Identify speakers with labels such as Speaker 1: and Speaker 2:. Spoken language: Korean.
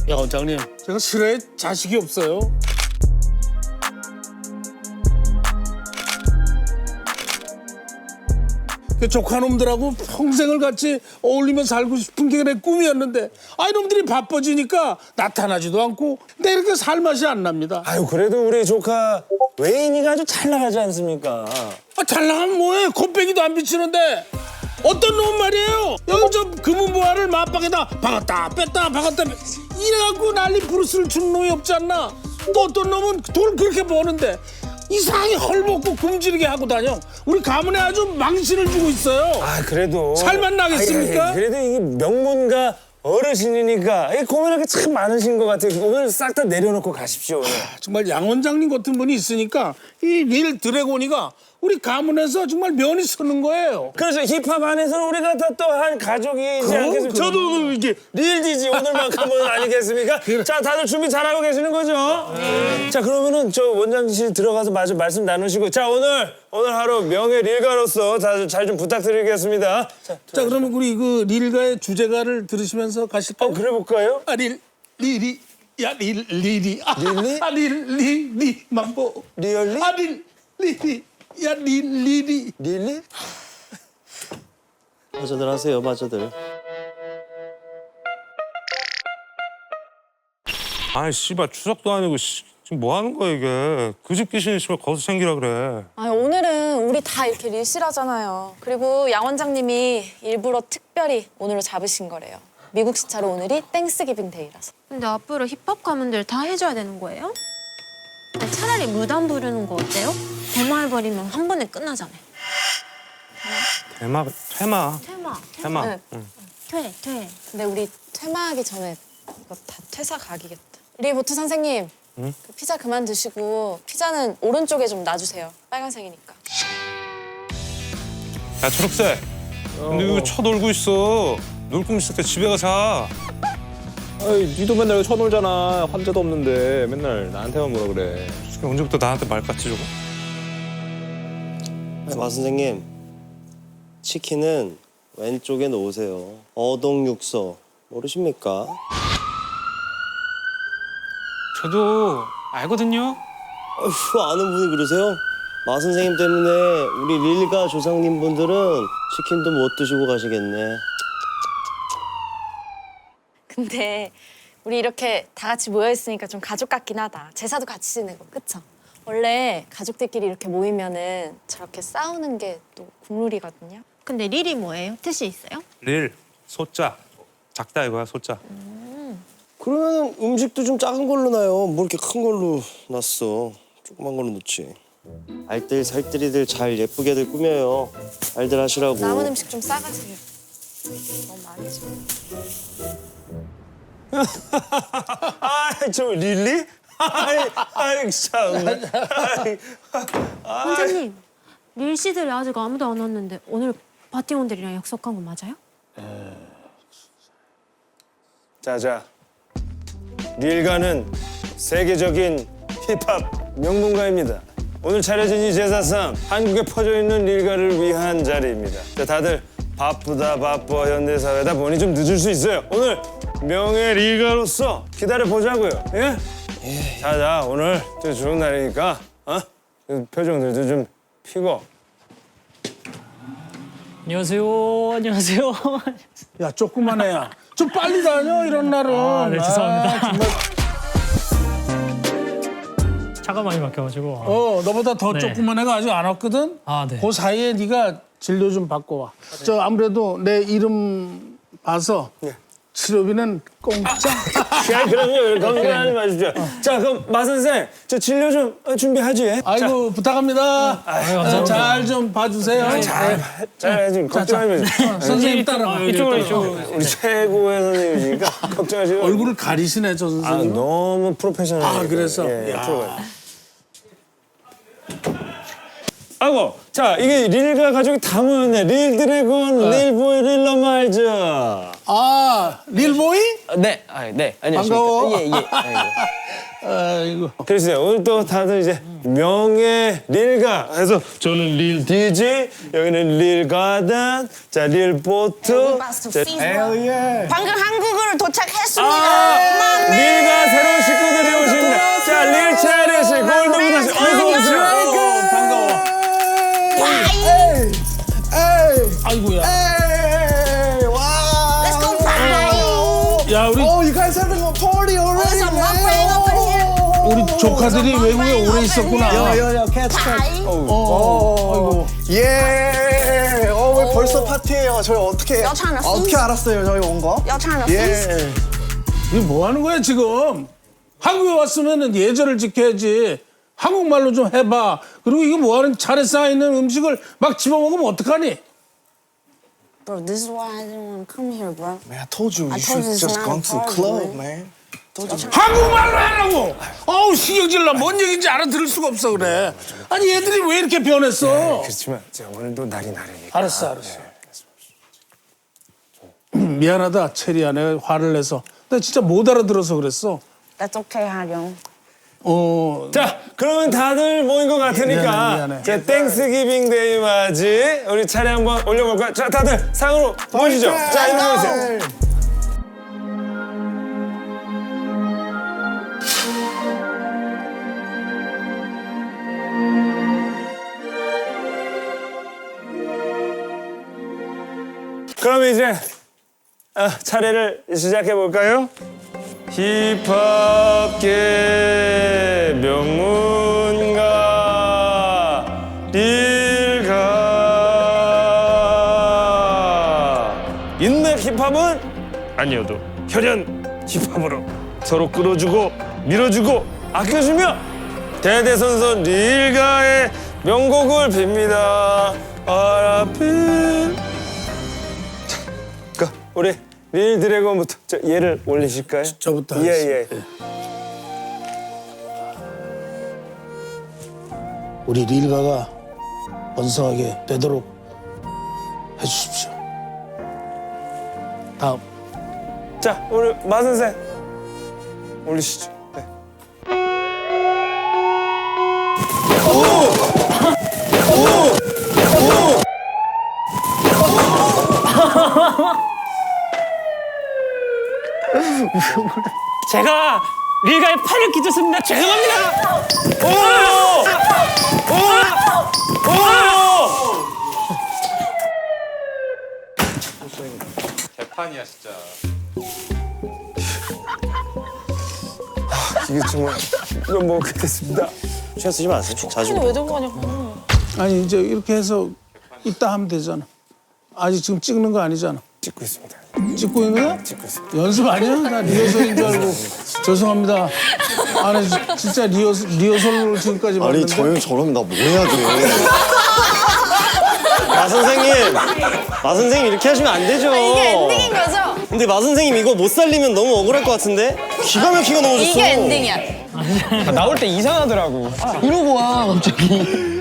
Speaker 1: 야 원장님, 제가 실외에 자식이 없어요. 그 조카놈들하고 평생을 같이 어울리며 살고 싶은 게 내 꿈이었는데 이놈들이 바빠지니까 나타나지도 않고 내 이렇게 살 맛이 안 납니다.
Speaker 2: 아유 그래도 우리 조카 외인이가 아주 잘 나가지 않습니까?
Speaker 1: 잘 나가면 뭐해? 곱빼기도 안 비치는데 어떤 놈 말이에요? 여기 저 금은보화를 맞박에다 박았다 뺐다 박았다 이래갖고 난리 부르스를 주는 놈이 없지 않나? 또 어떤 놈은 돈 그렇게 버는데 이상하게 헐벗고 굶주리게 하고 다녀. 우리 가문에 아주 망신을 주고 있어요.
Speaker 2: 아 그래도
Speaker 1: 살만 나겠습니까?
Speaker 2: 아이, 그래도 이게 명문가 어르신이니까 이 고민할 게 참 많으신 것 같아요. 오늘 싹 다 내려놓고 가십시오. 오늘.
Speaker 1: 정말 양 원장님 같은 분이 있으니까 이 릴 드래곤이가 우리 가문에서 정말 면이 서는 거예요.
Speaker 2: 그래서 힙합 안에서는 우리가 다 또 한 가족이지 않겠습니까? 저도 이게 릴디지 오늘만큼은 아니겠습니까? 자 다들 준비 잘하고 계시는 거죠? 자 그러면은 저 원장실 들어가서 마저 말씀 나누시고 자 오늘 하루 명예 릴가로서 다들 잘 좀 부탁드리겠습니다.
Speaker 1: 자 그러면 우리 그 릴가의 주제가를 들으시면서 가실까요?
Speaker 2: 그래 볼까요?
Speaker 1: 릴리 릴리
Speaker 2: 릴리?
Speaker 1: 릴리 mambo
Speaker 2: 리얼리?
Speaker 1: 릴리 릴리
Speaker 2: 릴리?
Speaker 3: 마저들 하세요, 마저들.
Speaker 4: 아이 씨발 추석도 아니고 지금 뭐 하는 거야 이게. 그 집 귀신이 씨발 거기서 챙기라 그래.
Speaker 5: 아 오늘은 우리 다 이렇게 릴실하잖아요. 그리고 양 원장님이 일부러 특별히 오늘을 잡으신 거래요. 미국 시차로 오늘이 땡스기빙 데이라서.
Speaker 6: 근데 앞으로 힙합 가문들 다 해줘야 되는 거예요? 차라리 무단 부르는 거 어때요? 대마해버리면 한 번에 끝나잖아요.
Speaker 4: 퇴마.
Speaker 6: 퇴마.
Speaker 5: 네.
Speaker 6: 퇴.
Speaker 5: 근데 우리 퇴마하기 전에 이거 다 퇴사 각이겠다. 리보트 선생님, 그 피자 그만 드시고 피자는 오른쪽에 좀 놔주세요. 빨간색이니까.
Speaker 4: 야 초록색. 근데 이거 쳐놀고 있어. 놀 거면 있을 때 집에 가자.
Speaker 7: 아이, 니도 맨날 여기 쳐놀잖아. 환자도 없는데 맨날 나한테만 뭐라 그래.
Speaker 4: 솔직히 언제부터 나한테 말 같지 저거?
Speaker 3: 마 선생님, 치킨은 왼쪽에 놓으세요. 어동육서 모르십니까?
Speaker 8: 저도 알거든요.
Speaker 3: 어휴, 아는 분이 그러세요? 마 선생님 때문에 우리 릴가 조상님 분들은 치킨도 못 드시고 가시겠네.
Speaker 5: 근데 우리 이렇게 다 같이 모여 있으니까 좀 가족 같긴 하다. 제사도 같이 지내고, 그쵸? 원래 가족들끼리 이렇게 모이면은 저렇게 싸우는 게 또 국룰이거든요.
Speaker 6: 근데 릴이 뭐예요? 뜻이 있어요?
Speaker 4: 릴 소자. 작다 이거야 소자.
Speaker 3: 그러면 음식도 좀 작은 걸로 놔요. 뭐 이렇게 큰 걸로 놨어. 조그만 걸로 놓지. 알뜰 살뜰이들 잘 예쁘게들 꾸며요. 알들 하시라고.
Speaker 5: 남은 음식 좀 싸가지고. 너무 많이 줘.
Speaker 2: 아저 릴리? 아이 참.
Speaker 6: 원장님, 릴 씨들이 아직 아무도 안 왔는데 오늘 파티원들이랑 약속한 거 맞아요?
Speaker 2: 자. 릴가는 세계적인 힙합 명문가입니다. 오늘 차려진 이 제사상 한국에 퍼져 있는 릴가를 위한 자리입니다. 자, 다들 바쁘다 현대사회다 보니 좀 늦을 수 있어요. 오늘 명예 릴가로서 기다려 보자고요. 예? 자 오늘 또 좋은 날이니까 그 표정들도 좀 피고.
Speaker 8: 안녕하세요.
Speaker 1: 야 조그만 애야 좀 빨리 다녀 이런 날은.
Speaker 8: 네, 죄송합니다.
Speaker 1: 정말.
Speaker 8: 차가 많이 막혀가지고.
Speaker 1: 너보다 더
Speaker 8: 네.
Speaker 1: 조그만 애가 아직 안 왔거든.
Speaker 8: 네.
Speaker 1: 그 사이에 네가 진료 좀 받고 와. 저 아무래도 내 이름 봐서 치료비는 공짜.
Speaker 2: 야, 그럼요. 걱정하지 마십시오. 자, 그럼 마 선생, 저 진료 좀 준비하지.
Speaker 1: 아이고 부탁합니다. 잘 좀 봐주세요.
Speaker 2: 잘 지금 걱정하지 마세요.
Speaker 1: 선생님 따라가.
Speaker 8: 이쪽으로.
Speaker 2: 우리 최고의 선생님이니까 걱정하지 마세요.
Speaker 1: 얼굴을 가리시네 저 선생님.
Speaker 2: 너무 프로페셔널해요.
Speaker 1: 그래서?
Speaker 2: 예,
Speaker 1: 야.
Speaker 2: 프로가. 아이고, 자, 이게 릴가 가족이 다 모였네. 릴 드래곤, 릴 보이, 릴 러마이즈.
Speaker 1: 릴보이?
Speaker 3: 네, 네. 안녕하십니까.
Speaker 1: 반가워.
Speaker 3: 예. 아이고.
Speaker 1: 아이고.
Speaker 2: 그래서 오늘 또 다들 이제 명예 릴가 해서 저는 릴 DJ, 여기는 릴 가든, 자, 릴 보트.
Speaker 9: 방금 한국으로 도착했습니다.
Speaker 2: 아, 릴가 새로운 식구들이 오십니다. 자, 릴 차례 씨, 골드부터 씨, 어서 오세요.
Speaker 1: 반가워. 아이고야.
Speaker 9: Let's go party.
Speaker 1: 야, 우리
Speaker 3: you guys having a party already?
Speaker 9: There's a mukbang over here.
Speaker 1: 우리 조카들이 외국에 오래 있었구나.
Speaker 3: catch.
Speaker 1: 아이고.
Speaker 3: 예. 왜 벌써 파티예요? 저희 어떻게
Speaker 9: Y'all trying to
Speaker 3: 어떻게
Speaker 9: feast?
Speaker 3: 알았어요? 저희 온 거?
Speaker 9: Y'all trying to feast?
Speaker 3: 예.
Speaker 1: 이거 뭐 하는 거야 지금? 한국에 왔으면은 예절을 지켜야지. 한국말로 좀 해봐. 그리고 이거 뭐 하는 차례 쌓여있는 음식을 막 집어먹으면 어떡하니?
Speaker 9: Bro, this is why I didn't want to come here, bro.
Speaker 3: Man, I told you
Speaker 9: I
Speaker 3: you
Speaker 9: told
Speaker 3: should
Speaker 9: you it's
Speaker 3: just
Speaker 9: not
Speaker 3: gone
Speaker 9: a
Speaker 3: to the
Speaker 9: party,
Speaker 3: club,
Speaker 9: man.
Speaker 3: man. Told you.
Speaker 1: 한국말로 하라고! 어우 신경질나. 뭔 얘기인지 알아들을 수가 없어 그래. 아니 얘들이 왜 이렇게 변했어?
Speaker 2: 그렇지만 제가 오늘도 날이 나르니까.
Speaker 1: 알았어. 미안하다 체리야. 내가 화를 내서. 나 진짜 못 알아들어서 그랬어.
Speaker 9: That's okay, 하령.
Speaker 2: 자, 그러면 다들 모인 것 같으니까
Speaker 1: 미안해.
Speaker 2: 자, 땡스기빙 데이 맞이 우리 차례 한번 올려볼까요? 자, 다들 상으로 모이시죠. 자, 이리 모이세요. 그럼 이제 차례를 시작해 볼까요? 힙합계 명문가 릴가 인맥 힙합은 아니어도 혈연 힙합으로 서로 끌어주고 밀어주고 아껴주며 대대손손 릴가의 명곡을 빕니다. 아라필. 자, 우리 릴 드래곤부터 얘를 올리실까요?
Speaker 1: 저부터
Speaker 2: 예.
Speaker 1: 우리 릴가가 번성하게 되도록 해주십시오. 다음.
Speaker 2: 자, 우리 마 선생 올리시죠. 네.
Speaker 8: 제가 릴가의 팔을 끼쳤습니다. 죄송합니다.
Speaker 7: 개판이야 진짜.
Speaker 2: 이게 정말 이건 뭐 그랬습니다.
Speaker 3: 신경 쓰지 마세요. 자주.
Speaker 5: 왜 들고 가냐?
Speaker 1: 아니 이제 이렇게 해서 이따 하면 되잖아. 아직 지금 찍는 거 아니잖아.
Speaker 2: 찍고 있습니다.
Speaker 1: 찍고 있는 거야?
Speaker 2: 찍고 있습니다.
Speaker 1: 연습 아니야? 나 리허설인 줄 알고. 죄송합니다. 아니 진짜 리허설로 지금까지
Speaker 3: 아니
Speaker 1: 봤는데.
Speaker 3: 저 형 저러면 나 뭐 해야 돼? 마 선생님 이렇게 하시면 안 되죠.
Speaker 5: 이게 엔딩인 거죠?
Speaker 3: 근데 마 선생님 이거 못 살리면 너무 억울할 것 같은데? 기가 막히게 넘어졌어.
Speaker 5: 이게 엔딩이야.
Speaker 7: 나올 때 이상하더라고.
Speaker 3: 이러고 와 갑자기.